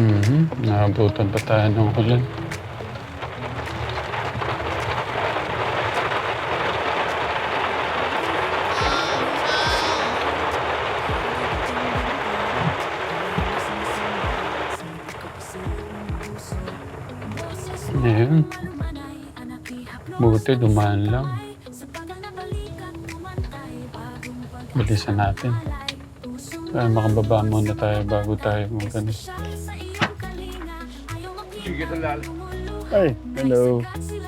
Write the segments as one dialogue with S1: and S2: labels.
S1: Naabutan pa tayo ng ulan. Ayun. Buti dumaan lang. Bilisan natin. Kaya makababa muna tayo bago tayo mag-ano.
S2: Sige, talal.
S1: Ay, hello.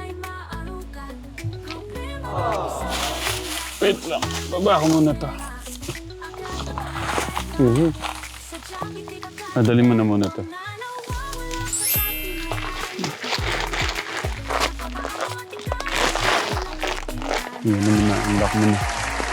S1: Wait lang. Baba ko muna to. Dali mo na muna to. Yun mo na. Unlock mo na.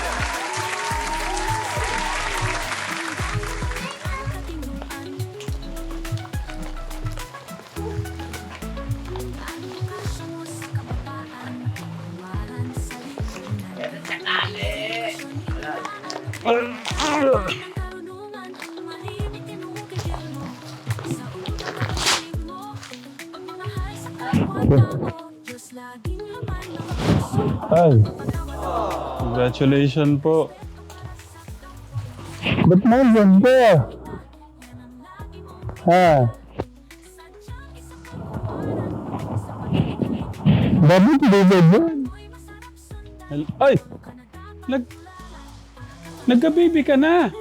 S1: Ay, congratulations po. Ba't mo yan ka? Ha? Bakit hindi ba yan? Ay! Nagka-baby ka na!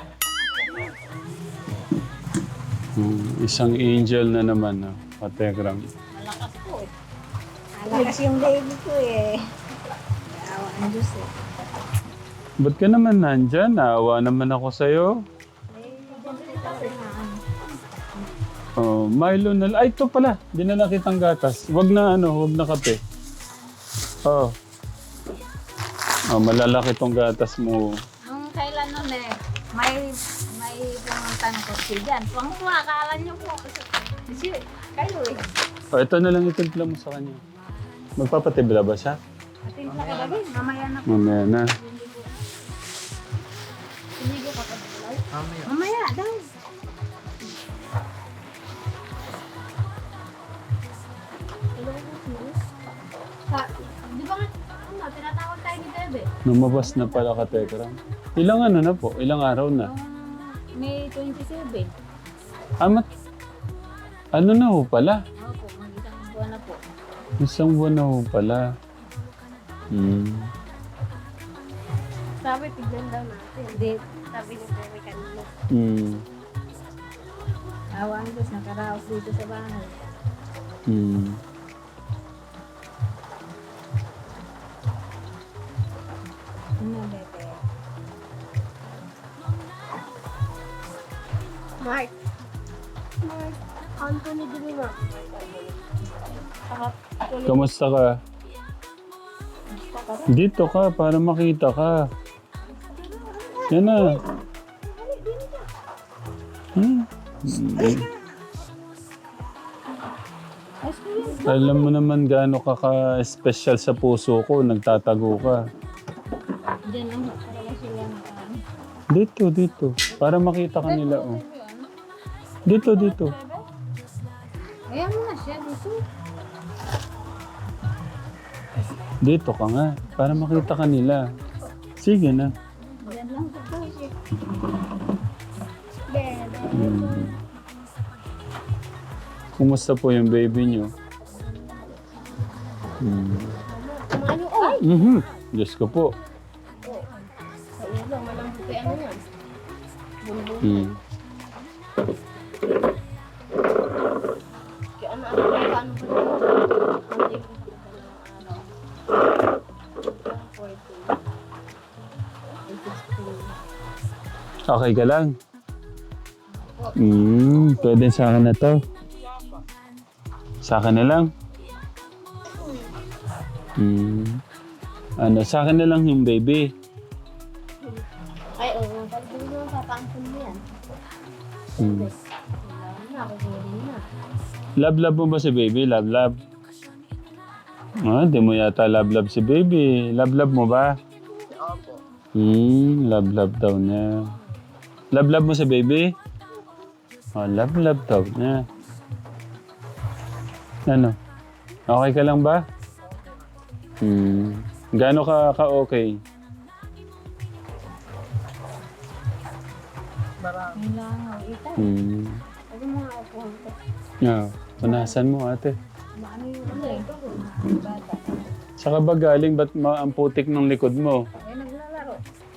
S1: Isang angel na naman, no? Kategram.
S3: Malakas po eh. Malakas yung baby ko eh. Awa ang Diyos eh.
S1: Ba't ka naman nandyan? Naawa naman ako sa'yo. Oh, Milo na... Ay, ito pala. Dinala kitang gatas. Wag na kape. Oh. Oh, malalaki tong gatas mo.
S3: Nung kailan nun eh, may pumunta ng kotse dyan. Pangkuha, akala niyo po. Kasi kayo eh.
S1: Oh, ito na lang itimpla mo sa kanya. Magpapatibla ba siya?
S3: Ating sa kadagin, mamaya na po.
S1: Mamaya na.
S3: Sinigil ko pa. Mamaya daw. Di ba nga, tinatawag tayo ni Bebe?
S1: Lumabas na pala kategram. Ilang ano na po? Ilang araw na?
S3: May 27.
S1: Amat. Ano na ho pala?
S3: Opo, mag-isang buwan na po.
S1: Isang buwan na ho pala.
S3: Sabi, tignan daw natin. Hindi, sabi ni Bebe kanina. Awa ang Diyos, nakaraos dito sa bahay. Ano, Bebe? Mark. Anthony de Lima.
S1: Kamusta ka? Dito ka para makita ka. Yan na. Alam mo naman gaano ka ka-special sa puso ko. Nagtatago ka.
S3: Diyan lang, para lang sila
S1: Dito. Para makita ka nila. Oh. Dito.
S3: Ayan mo na siya dito.
S1: Dito ka nga. Para makita ka nila. Sige na.
S3: Diyan lang sa puso.
S1: Kumusta po yung baby niyo?
S3: Ano? Ay!
S1: Diyos ko po.
S3: Sa ulo, malambot kay ano yan.
S1: Mm.
S3: Kaya ano ba
S1: Okay ka lang? Pwede sa akin na to. Sa akin na lang? Sa akin na lang yung baby.
S3: Ay, oo. Pag hindi mo papaangkin mo yan. Wala na, kukunin na.
S1: Love mo ba si baby? Love? Di mo yata love si baby. Love mo ba?
S2: Opo.
S1: Love daw niya. Love mo si baby? Oh, love daw niya. Ano? Okay ka lang ba? Gaano ka-okay?
S3: Kailangan ita. Huwag mo nga ako.
S1: Yeah. Punasan mo, ate.
S3: Ano yung ano eh? Bata.
S1: Saka ba galing, ba't ang putik ng likod mo?
S3: Eh, naglalaro.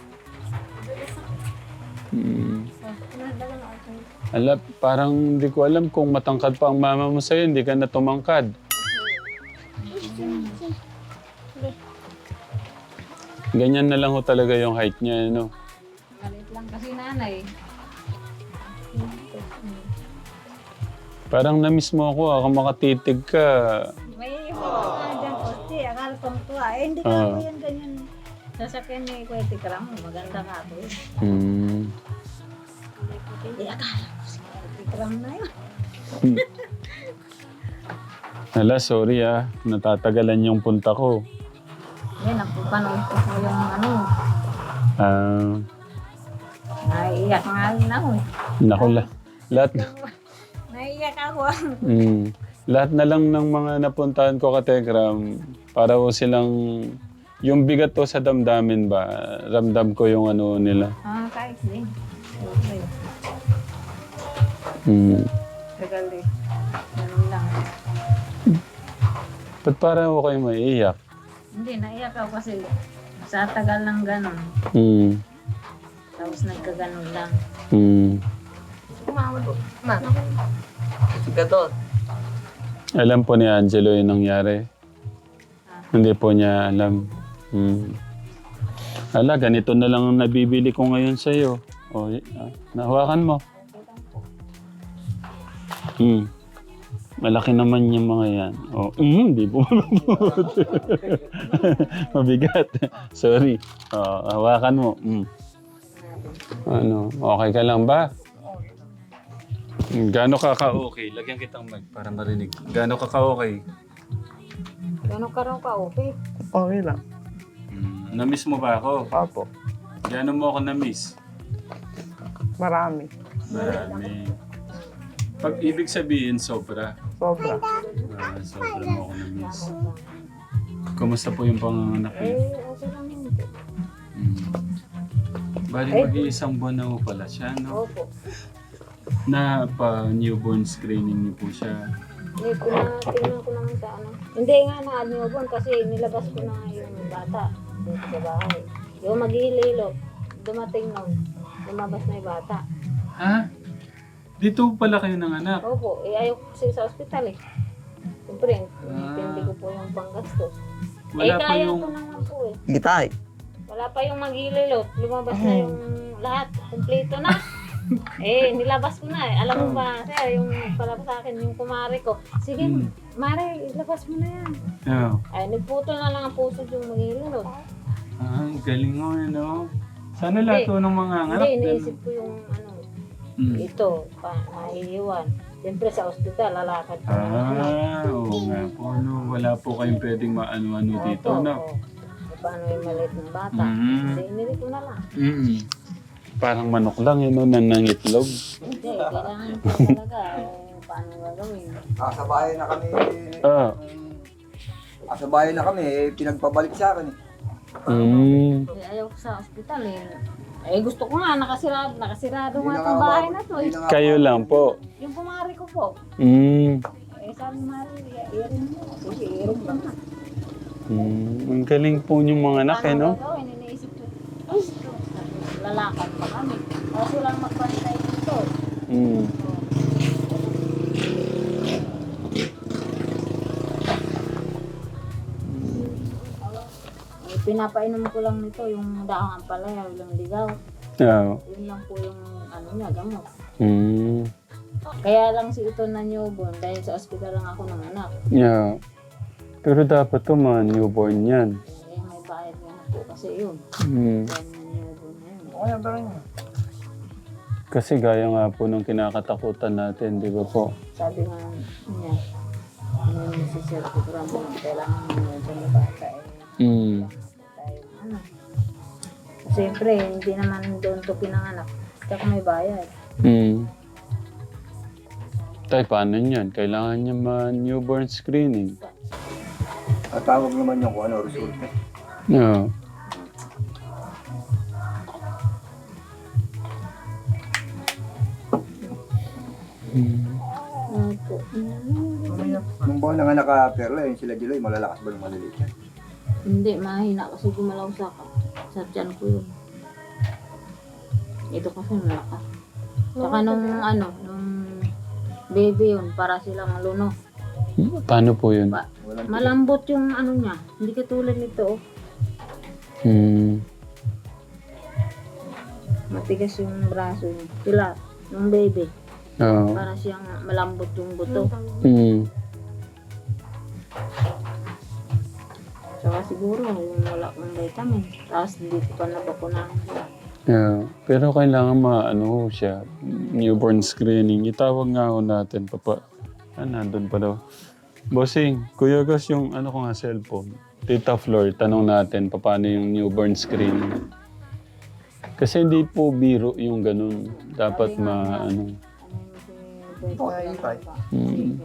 S3: Nagdagan ako.
S1: Ala, parang hindi ko alam kung matangkad pa ang mama mo sa'yo, hindi ka na tumangkad. Ganyan na lang ho talaga yung height niya, no?
S3: Galit lang kasi nanay.
S1: Parang na-miss mo ako, makatitig ka.
S3: May iba ka dyan, Kosti. Akala kong tuwa. Eh, hindi ka ako yan ganyan. Sasakyan ni Kuya Tikram, maganda ka ako. Hindi, akala ko si Kuya Tikram na yun.
S1: Hala, sorry natatagalan yung punta ko.
S3: Yan, napupanood ko po yung ano. Naiiyak nga rin ako eh.
S1: Naku, lahat,
S3: Naiiyak ako.
S1: lahat na lang ng mga napuntahan ko ka Tekram, para ko silang, yung bigat to sa damdamin ba, ramdam ko yung ano nila.
S3: Kahit din. Okay. Tagal eh. Ganun lang.
S1: Ba't parang ako kayo maiiyak?
S3: Hindi, naiyak ako kasi sa tagal ng ganun. Tapos nagkaganon lang. Kumawad po.
S2: Sige doon.
S1: Alam po ni Angelo yung nangyari. Hindi po niya alam. Ala, ganito na lang ang nabibili ko ngayon sa'yo. O, nahawakan mo. Malaki naman yung mga yan. O, hindi po mababot. Mabigat. Sorry. O, hawakan mo. Ano, okay ka lang ba? Gaano ka-okay? Lagyan kitang mic para marinig. Gaano ka-okay?
S3: Gano'n ka raw ka, okay?
S2: Okay lang.
S1: Na-miss mo ba ako?
S2: Opo.
S1: Gaano mo ako na-miss?
S2: Marami.
S1: Marami. Pag ibig sabihin, sobra.
S2: Sobra.
S1: Sobra mo ako na-miss. Kumusta po yung panganganak niyo?
S3: Okay lang yun.
S1: Bali mag-iisang buwan na po pala siya, no?
S3: Opo.
S1: Na pa-newborn screening niyo po siya.
S3: Tingnan ko naman sa ano. Hindi nga na-newborn kasi nilabas ko na yung bata dito sa bahay. Yung maghihililot, dumating nun. Lumabas na yung bata.
S1: Ha? Dito pala kayo ng anak?
S3: Opo, ayaw ko kasi sa ospital eh. Siyempre, hindi ko po yung panggastos.
S1: Wala pa
S3: kaya
S1: yung...
S3: ko naman po eh.
S2: Gitay.
S3: Wala pa yung maghihililot. Lumabas na yung lahat. Kumpleto na. Nilabas ko na eh. Alam mo ba, sir, yung pala sa akin, yung kumari ko. Sige, Mare, ilabas mo na yan. Ay, nagputol na lang ang puso yung maghihililot.
S1: Galing mo, no? Sana lahat to ng mga anak.
S3: Hindi, iniisip ko yung ano, ito, maiiwan. Siyempre sa ospital, lalakad ko na.
S1: Oo nga po, no? Wala po kayong pwedeng maano-ano dito, no?
S3: Paano yung maliit ng bata? Hindi, inili ko na lang.
S1: Parang manok lang, yun, no? Nanangitlog.
S3: Hindi, kailangan ko talaga. Paano gagawin?
S2: Sa bahay na kami. Sa bahay na kami, pinagpabalik sa akin eh.
S3: Ayaw ko sa ospital eh. Gusto ko nga, nakasirado
S2: Hindi
S3: nga
S2: na
S3: itong
S2: nga
S3: bahay
S2: umabot.
S3: na to.
S2: Hindi na nga
S1: Kayo lang po.
S3: Yung kumari ko po. Sabi Mari, irin mo. Sige, irin lang na.
S1: Ang galing po yung mga anak, eh, no?
S3: Paano gagawin? Iniisip ko, lalakad pa kami. Kasi lang magbantay dito. Pinapainom ko lang nito, yung daang ampalaya, yung ligaw. Yun lang po yung ano niya, gamot. Kaya lang si ito na newborn dahil sa ospital lang ako ng anak.
S1: Yeah. Pero dapat to mga newborn yan.
S3: May bayad nga po kasi yun. Kaya na newborn na yun.
S2: Okay ba rin?
S1: Kasi gaya nga po ng kinakatakutan natin, di ba po?
S3: Sabi nga niya, ano yung si Sir Tikram, kailangan newborn na bata eh. Ano. Siyempre, hindi naman doon to pinanganak. Tsaka may bayad.
S1: Tay, paano yan? Kailangan niya ma-newborn screening.
S2: At tawag naman yung kung ano, resulta.
S1: No.
S3: Opo.
S2: Nung buwan na nga naka-perla, yun sila July, malalakas ba ng maliliit yan?
S3: Hindi, mahina kasi gumalaw sa tiyan ko yun. Ito kasi malakas. Saka nung baby yun, para silang luno.
S1: Paano po yun?
S2: Walang
S3: Malambot yung ano niya. Hindi katulad nito. Matigas yung braso niya. Sila, nung baby.
S1: Oo.
S3: Para siyang malambot yung buto. Saka siguro yung wala kong vitamin. Tapos dito pa nabakunahan sila.
S1: Yeah. Pero kailangan maano siya, newborn screening. Itawag nga ho natin, papa. Nandun pa daw. Bossing, Kuya Gus, yung ano ko nga cellphone. Tita Flor, tanong natin paano yung newborn screening. Kasi hindi po biro yung ganun. Dapat
S3: Ano yung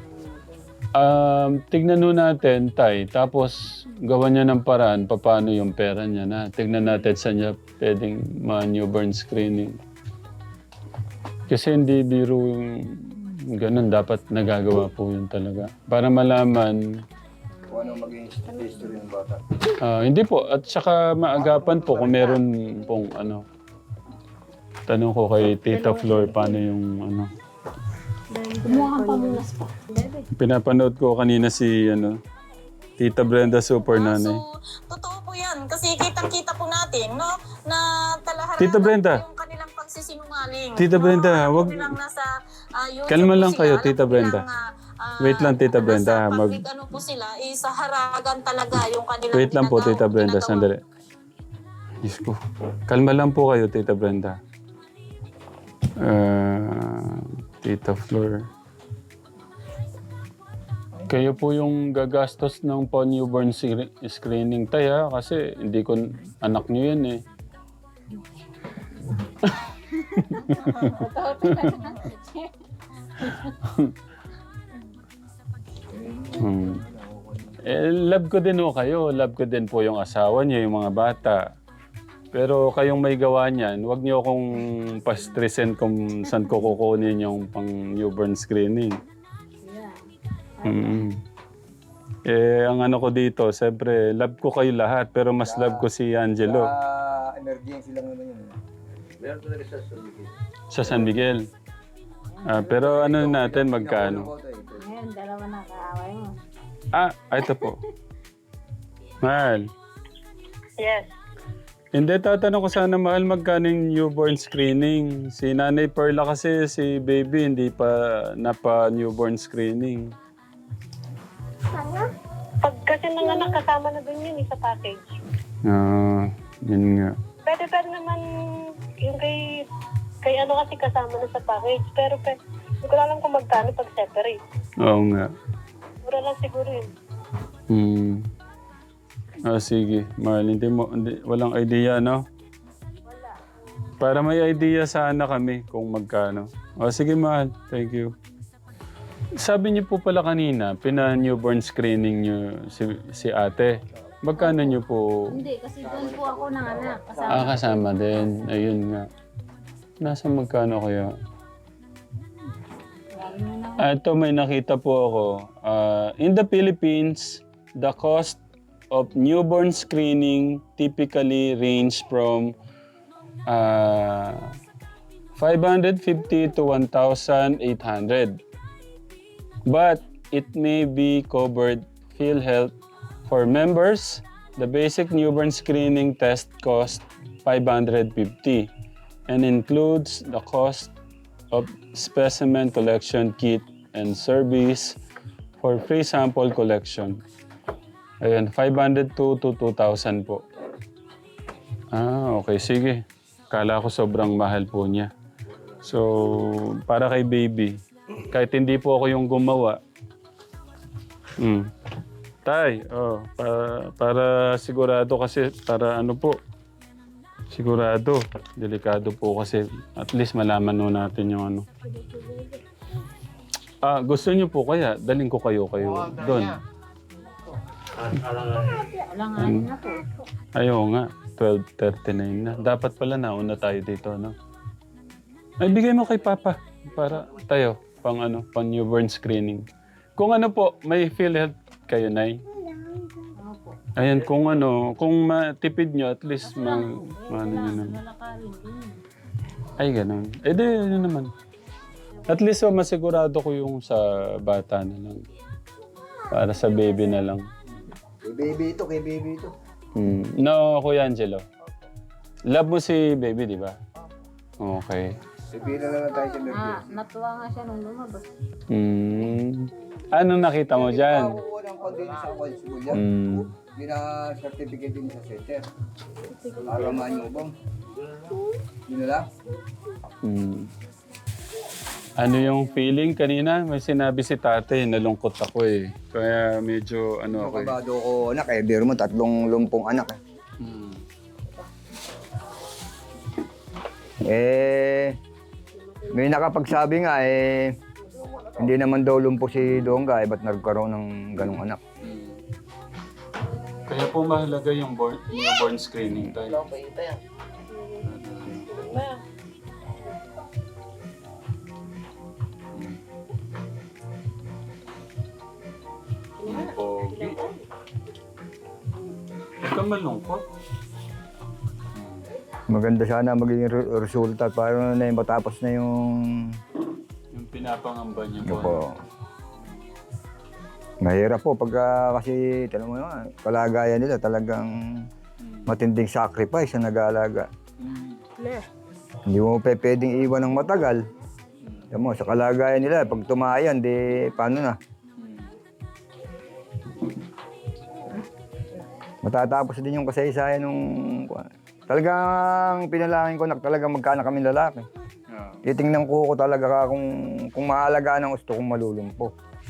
S1: tignan nun natin, Tay. Tapos, gawan niya ng paraan paano yung pera niya na. Tignan natin sa niya pwedeng ma-newborn screening. Kasi hindi biro yung ganun. Dapat nagagawa po yun talaga. Para malaman.
S2: kung ano maging history ng bata.
S1: Hindi po. At saka maagapan po kung meron pong ano. Tanong ko kay Tita Flor paano yung ano.
S3: Kumuha kang pamunas pa. Bebe.
S1: Pinapanood ko kanina si ano, Tita Brenda Super Nanay.
S4: So, totoo po yan. Kasi kitang-kita po natin, no? Na talaharap
S1: Tita Brenda.
S4: yung kanilang pagsisinungaling.
S1: Tita Brenda,
S4: Alam
S1: wag-
S4: nilang nasa, YouTube
S1: Kalma
S4: po
S1: lang
S4: sila.
S1: kayo,
S4: Alam
S1: Tita
S4: nilang,
S1: Brenda. Wait lang, Tita Brenda,
S4: Nasa
S1: mag-
S4: public ano po sila, sa haragan talaga yung kanilang
S1: Wait lang po, Tita Brenda,
S4: ginagawa.
S1: sandali. Diyos ko. Kalma lang po kayo, Tita Brenda. Tita Flor. Kayo po yung gagastos ng newborn screening, Tay, kasi hindi ko anak niyo yan eh. Love ko din ho kayo. Love ko din po yung asawa niyo, yung mga bata. Pero kayong may gawa niyan, huwag niyo akong pa-stressin kung saan ko kukunin yung pang newborn screening. Ang ano ko dito, siyempre, love ko kayo lahat, pero mas love ko si Angelo.
S2: Emergency lang naman yun. Meron talaga sa San Miguel.
S1: Sa San Miguel. Pero ano natin, magkano?
S3: Ngayon, dalawa na kaaway mo.
S1: Ito po. Mahal.
S4: Yes.
S1: Hindi, tatanong ko sana, Mahal, magkano yung newborn screening? Si Nanay Perla kasi, si baby, hindi pa napa-newborn screening.
S4: Pag kasi nanganak kasama na dun yun sa package.
S1: Yun nga.
S4: Pwede naman yung kay ano kasi kasama na sa package. Pero hindi ko alam kung magkano pag separate.
S1: Oo nga.
S4: Mura lang siguro yun.
S1: Sige. Mahal, walang idea, no? Wala. Para may idea sana kami kung magkano. Sige, Mahal. Thank you. Sabi niyo po pala kanina, pina-newborn screening niyo si ate. Magkano niyo po?
S3: Hindi, kasi doon po ako nanganak. Kasama.
S1: Kasama din. Ayun nga. Nasa magkano kaya? Ito may nakita po ako. In the Philippines, the cost of newborn screening typically range from 550 to 1,800. But it may be covered PhilHealth for members. The basic newborn screening test costs $550 and includes the cost of specimen collection kit and service for free sample collection. Ayan, 500 to 2,000 po. Okay, sige. Kala ko sobrang mahal po niya. So, para kay baby, kahit hindi po ako yung gumawa. Tay, para sigurado kasi, para ano po, sigurado, delikado po kasi at least malaman no natin yung ano. Gusto niyo po kaya, daling ko kayo doon.
S3: Alanganin na po.
S1: Ayaw nga, 12:39 na. Dapat pala nauna tayo dito, no? Ay, bigay mo kay Papa para tayo, pang newborn screening. Kung ano po, may PhilHealth kayo, Nay.
S3: Opo.
S1: Ayan, kung matipid nyo, at least ano nyo naman.
S3: Lalakarin din.
S1: Ay, ganun. Eh, di, ano naman. At least, masigurado ko yung sa bata na lang. Para sa baby na lang.
S2: Kay baby ito.
S1: No, Kuya Angelo. Love mo si baby, di ba? Okay.
S2: Baby na lang tayo sa emergency.
S3: Natuwa nga siya nung lumabas.
S1: Anong nakita mo dyan?
S2: Makukuha ng condensed sa school yan. Yun na certificate din sa center. Para manyubang. Yun na lang.
S1: Ano yung feeling kanina? May sinabi si tate, nalungkot ako eh. Kaya medyo ako eh.
S2: Kabado ko anak eh. Biro mo, 3 lumpong anak eh. May nakapagsabi nga hindi naman daw lumpo si Dongga ba't nagkaroon ng ganong anak?
S1: Kaya po mahalaga yung newborn screening tayo. Pogi. Huwag ka malungkot.
S2: Maganda sana magiging resulta para na matapos na yung
S1: Pinapangamba niyo po.
S2: po. Mahirap po pagka kasi tala mo naman, kalagayan nila talagang matinding sacrifice na nag-aalaga. Hindi mo pwedeng iwan ng matagal. Alam mo, sa kalagayan nila, pag tumayan, di paano na? Matatapos din yung kasaysayan nung... Talagang pinalangin ko na talagang magkaanak kami lalaki. Titingnan ko talaga kung maalagaan ang gusto kong malulumpo.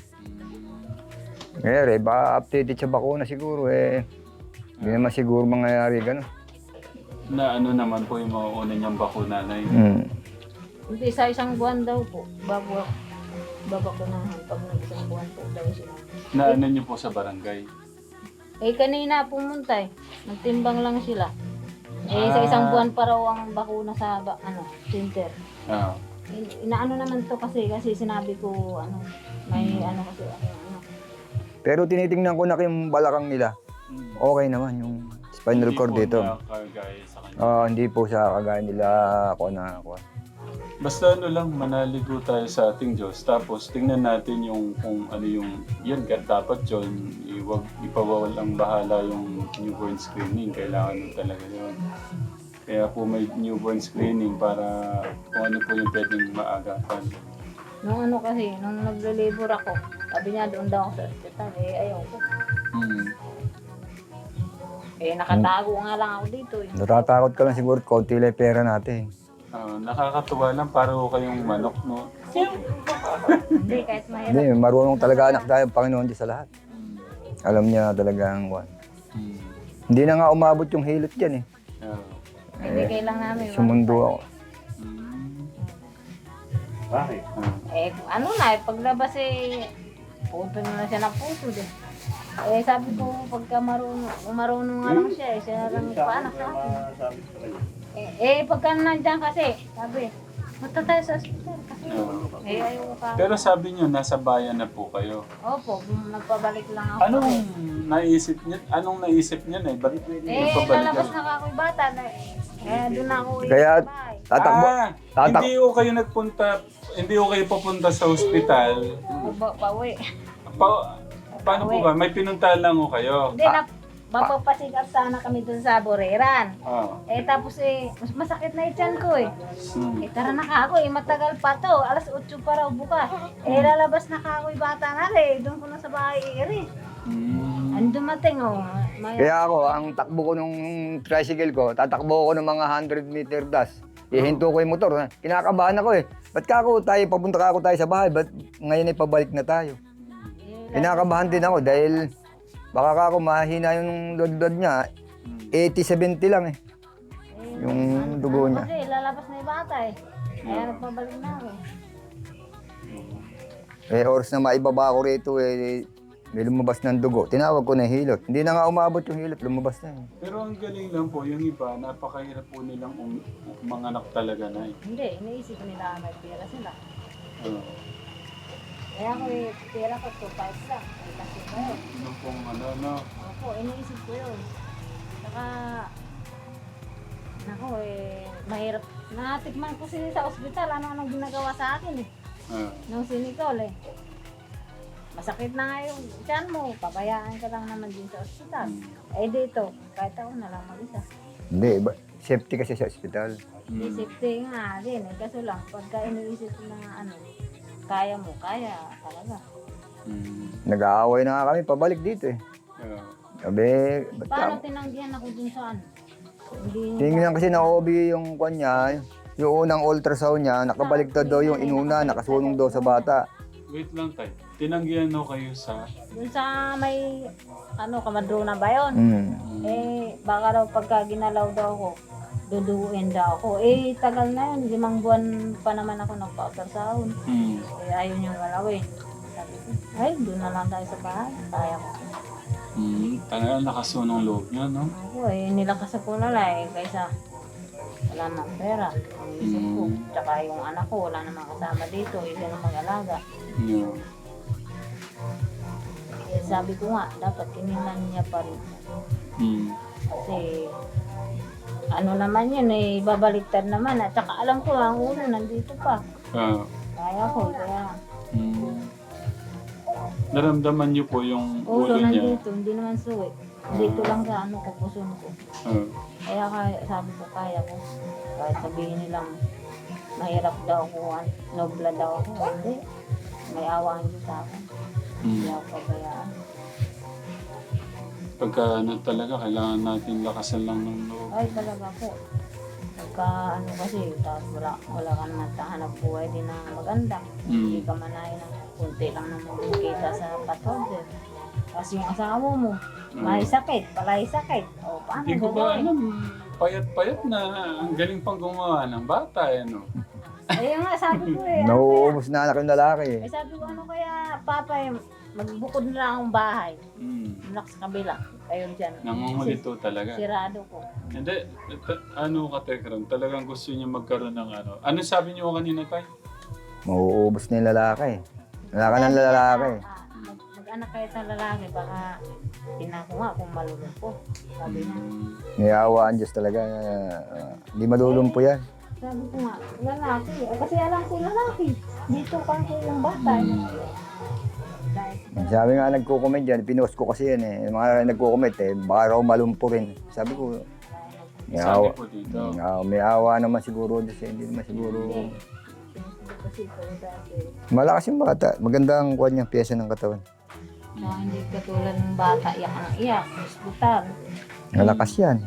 S2: Ngayon ba updated sa bakuna siguro hindi naman siguro mangyayari gano'n.
S1: Na naman po yung mga una niyang bakuna na yun.
S3: Hindi, sa isang buwan daw po, babakunahan pag nag-isang buwan po daw sila.
S1: Na niyo po sa barangay.
S3: Kanina pumunta nagtimbang lang sila. Sa isang buwan pa raw ang bakuna sa center. Inaano naman to kasi sinabi ko may kasi
S2: Pero tinitingnan ko na yung balakang nila. Okay naman yung spinal cord dito. Hindi po sa kagaya nila ako.
S1: Basta lang, manaligo tayo sa ating Diyos. Tapos tingnan natin kung ano yung, yan dapat yun, ipawawal ang bahala yung newborn screening. Kailangan nun talaga yun. Kaya po may newborn screening para kung ano po yung pwedeng maagapan.
S3: Nung nung nagle-labor ako, sabi niya doon daw ako sa ospital, ayaw ko. Nakatago nga lang ako dito.
S2: Natatakot ka lang siguro, konti lang pera natin.
S1: Nakakatuwa lang, parang kayong manok, no?
S3: Hindi, kahit mahirap.
S2: Hindi, marunong talaga anak tayo, Panginoon Diyos sa lahat. Alam niya talagang Hindi na nga umabot yung hilot dyan
S3: Ibigay lang namin.
S2: Sumundo ako.
S1: Bakit?
S3: Paglabas puto na siya ng puto din. Sabi ko, pagka marunong nga lang siya, siya lang paanak sa akin. Pagka nandiyan kasi, sabi, punta tayo sa ospital kasi ayaw ka.
S1: Pero sabi niyo, nasa bayan na po kayo.
S3: Opo, nagpabalik lang ako.
S1: Anong naisip niya na? Bakit
S3: Lalabas na ako yung bata. Doon na ako
S2: Kaya,
S3: sa bahay.
S1: Hindi ko kayo hindi ko kayo papunta sa ospital.
S3: Pauwi.
S1: Paano po ba? May pinuntahan lang ko kayo.
S3: Hindi, mapapasikap sana kami dun sa Boreran. Tapos mas masakit na ityan ko tara na ka ako matagal pa to. Alas 8 pa raw bukas. Lalabas na ka ako bata na doon ko na sa bahay Ang dumating
S2: Kaya ako, ang takbo ko nung tricycle ko, tatakbo ko ng mga 100 meter dash. Ihinto ko yung motor. Kinakabahan ako Ba't papunta ka ako tayo sa bahay? Ba't ngayon pabalik na tayo? Kinakabahan din ako dahil baka ako mahina yung blood niya. 80-70 lang yung dugo niya.
S3: Kasi lalabas na yung bata Kaya nagpabalik na ako
S2: Oras na maibaba ko rito, may lumabas ng dugo. Tinawag ko na hilot. Hindi na nga umabot yung hilot, lumabas na.
S1: Pero ang galing lang po, yung iba, napakahirap po nilang manganak talaga na eh.
S3: Hindi, iniisip nila may pera sila.
S1: Oo.
S3: Kaya ako pera ko 2.5 lang. Ay kasi ko yun.
S1: Yung pong ano, no?
S3: Opo, iniisip ko yun. Saka, nako mahirap. Natikman ko sila sa ospital, ano-anong ginagawa sa akin eh. Nung sinikol eh. Masakit na nga yung tiyan mo, pabayaan ka lang naman din sa ospital. Dito, kahit ako na lang mag-isa.
S2: Hindi, safety kasi sa ospital.
S3: May safety nga din eh. Kaso lang, pagka iniisip na kaya mo, kaya talaga.
S2: Nag-aaway na nga kami, pabalik dito eh. Sabi, ba't
S3: Paano
S2: ka?
S3: tinanggihan ako dun sa Hindi
S2: Tingnan kasi na OB yung kanya, yung unang ultrasound niya, nakabaliktad daw yung inuna, nakasunong daw sa bata.
S1: Wait lang tayo. Tinanggihan no kayo sa...
S3: dun sa may, kamadrona ba yun? Baka daw pagka ginalaw daw ako, duduin daw ako. Tagal na yun, 5 buwan pa naman ako nagpa-ultrasound. Ayaw niyang galawin. Sabi ko, doon na lang tayo sa bahay. Kaya ko.
S1: Talaga nakasunong loob niya, no?
S3: Ako nilakas ako lalay kaysa wala nang pera. Ang isip ko. Tsaka yung anak ko, wala namang kasama dito. Isa na mag-alaga.
S1: Yeah.
S3: Sabi ko nga, dapat kinilan niya pa rin. Kasi naman yun, babaliktad naman. At saka alam ko, ang ulo nandito pa. Kaya ko, kaya
S1: Naramdaman niyo po yung
S3: ulo
S1: ulo niya.
S3: nandito, hindi naman suwi. Dito lang sa kupuson ko. Kaya sabi ko, kaya ko. Kahit sabihin nilang mahirap daw ako, nobla daw ako. Hindi. May awa ang Diyos sa akin. Hindi ako pabayaan.
S1: Pagka talaga, kailangan natin lakasan lang ng loob.
S3: Ay, talaga po. Pagka kasi, tapos wala ka naman hanap buhay din na maganda. Hindi ka manahin ng kunti lang naman kita sa pathogen. Kasi yung asawa mo, may sakit, palay sakit. O, paano
S1: Hindi ko ba
S3: gagawin?
S1: alam, payat-payat na ang galing pang gumawa ng bata, no?
S3: Ayun nga, sabi ko
S2: Nauubos na anak yung lalaki eh.
S3: sabi ko, kaya, Papa, magbukod na lang ang bahay. Malak sa kabila. Kayo dyan.
S1: Nangungulito talaga.
S3: Sirado ko.
S1: Hindi, ka Tekram, talagang gusto niya magkaroon ng ano. Ano sabi niyo kanina tayo?
S2: Mauubos na yung lalaki. Wala ka ng lalaki.
S3: Mag-anak kayo sa lalaki, baka tinako nga kung malulumpo. Sabi niya.
S2: May awa ang Diyos talaga. Hindi malulumpo yan.
S3: Sabi ko nga, lalaki. Kasi alam ko lalaki. Dito pa ko yung bata.
S2: Sabi nga nagko-comment dyan, pinost ko kasi yan eh. Yung mga nagko-comment baka raw malumpo rin. Sabi ko, may
S1: Sabi
S2: awa.
S1: po dito.
S2: May awa naman siguro Diyos eh. Hindi naman siguro.
S3: Kasi ito dati.
S2: Malakas yung bata. Maganda ang kuha niyang pyesa ng katawan.
S3: Hindi katulad ng bata, iyak ang iyak. Hospital.
S2: Malakas yan.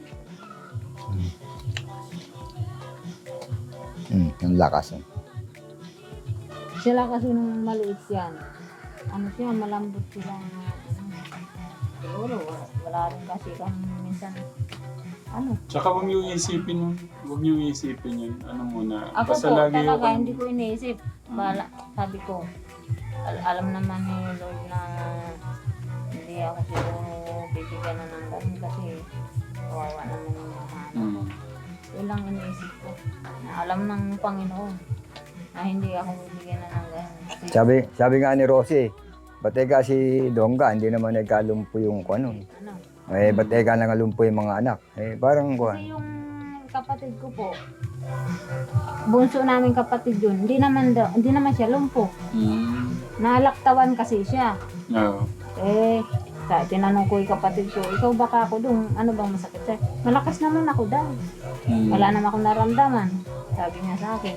S2: Ang lakas.
S3: Sila kasi nung maliit yan. Siya, malambot sila. Siguro, wala rin kasi kang minsan.
S1: Tsaka huwag niyo isipin yun. Ano muna.
S3: Ako
S1: Basta
S3: po,
S1: lagi
S3: talaga,
S1: yung-
S3: hindi ko iniisip. Sabi ko, alam naman ni Lord na hindi ako siguro bibigyan na ng ganun kasi kawawa naman yung mga anak. Yun lang iniisip ko. Na alam ng Panginoon na hindi ako bibigyan na ng ganun.
S2: Sabi nga ni Rosie, bateka si Dongga, hindi naman nagkalumpo yung ano. Bateka nangalumpo yung mga anak. Parang
S3: Kasi yung kapatid ko po, bunso namin kapatid yun, hindi naman siya lumpo. Nalaktawan kasi siya.
S1: Oo.
S3: Tinanong ko yung kapatid ko, ikaw baka ako dun, ano bang masakit sa'yo? Malakas naman ako daw. Wala naman akong naramdaman. Sabi niya sa akin.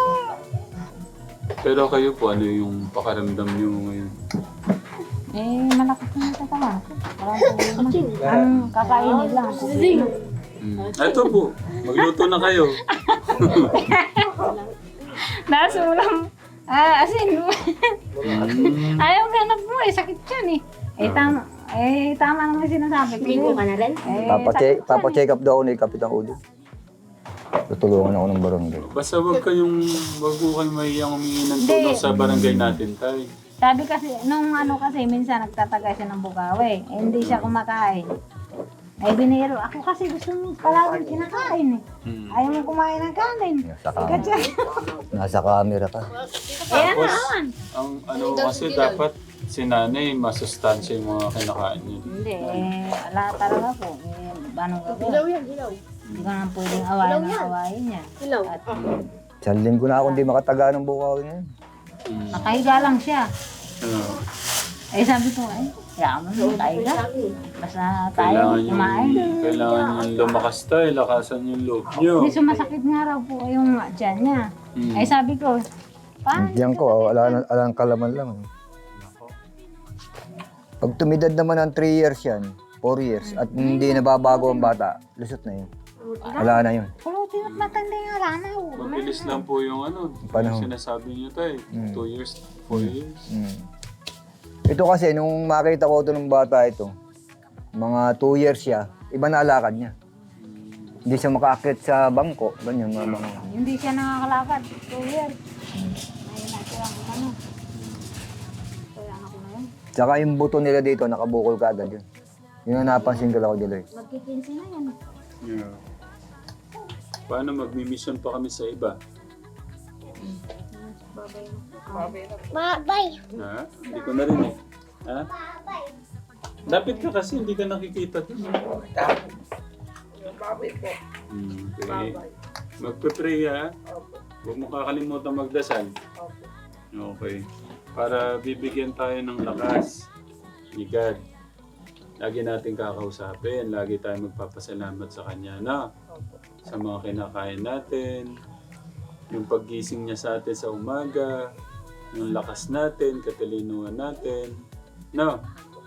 S1: Pero kayo po, ano yung pakaramdam niyo ngayon?
S3: Malakas naman sa tawa. Ang kakainin lang ako.
S1: Ito po, magluto na kayo.
S3: Nasulam. Asin. Ayaw ganap mo sakit yan tama naman sinasabi ko. Ligo ka na rin?
S2: papacheck up daw ako ni Kapitang Udo. Tutulungan ako ng barangay.
S1: Basta wag ko kayong mahiyang humingi ng tulong sa barangay natin, tay.
S3: Sabi kasi, nung ano kasi, minsan nagtatagay siya ng bukawi. Eh, hindi siya kumakain. Ay, biniro. Ako kasi gusto mo palaging kinakain eh. Ayaw mo kumain ng kanin.
S2: Nasa camera ka.
S3: Kaya naman.
S1: Ang ano kasi dapat si nanay masustansya yung mga kinakain niya.
S3: Hindi, ala talaga po. Anong gagawin? Ilaw yan, ilaw. Hindi ko naman pwedeng awayin ng awayin niya. Ilaw. At
S2: Isang linggo na ako hindi makataga ng bukaw ngayon.
S3: nakahiga lang siya.
S1: Ano,
S3: Eh sabi ko, yaman mo, kahiga. Basta tayo kumain.
S1: Kailangan yung lumakas tayo, lakasan yung loob niyo.
S3: Hindi sumasakit nga raw po yung tiyan niya. Eh sabi ko, paano?
S2: Diyan ko, alang kalaman lang. Pag tumidad naman ng 3 years yan, 4 years, at hindi nababago ang bata, lusot na yun. Wala na yun.
S3: Pulutin at matanda yung alana.
S1: Mabilis lang po yung ano,
S2: Panahon.
S1: yung sinasabi niyo tayo. 2 years, 4 years.
S2: Ito kasi, nung makita ko ito ng bata ito, mga 2 years siya, iba na alakad niya. Hindi siya makaakit sa bangko, ganyan mga bangko.
S3: Hindi siya nakakalakad. 2 years. Ngayon na siya ang ano. Kaya anak ko na yun.
S2: Tsaka yung buto nila dito, nakabukol ka agad yun. Yun ang napansin ko lang ako dito.
S3: Magkikinsi na yan.
S1: Yeah. Paano magmi-mission pa kami sa iba?
S4: Bye.
S1: Ha? Hindi ko narinig. Ha? Dapat ka kasi hindi ka nakikita dun. Okay. Magpe-pray ha? Huwag mo kakalimutan magdasal. Okay. Para bibigyan tayo ng lakas ni God. Lagi natin kakausapin. Lagi tayo magpapasalamat sa Kanya na sa mga kinakain natin. Yung paggising niya sa atin sa umaga. Yung lakas natin, katalinuhan natin. No?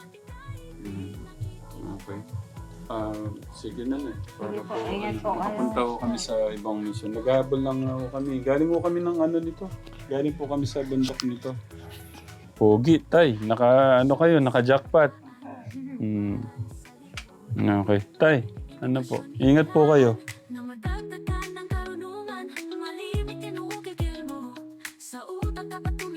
S1: Okay. Sige na na. Para po,
S3: Ingat po kayo.
S1: papunta ko kami sa ibang mission. Naghahabol lang ako kami. Galing ko kami ng ano nito. Galing po kami sa bundok nito. Pogi, tay. Naka-jackpot. Okay. Tay, ano po? Ingat po kayo.
S5: Na madagdagan ng karunungan, malimit tinukikil mo. Sa utak dapat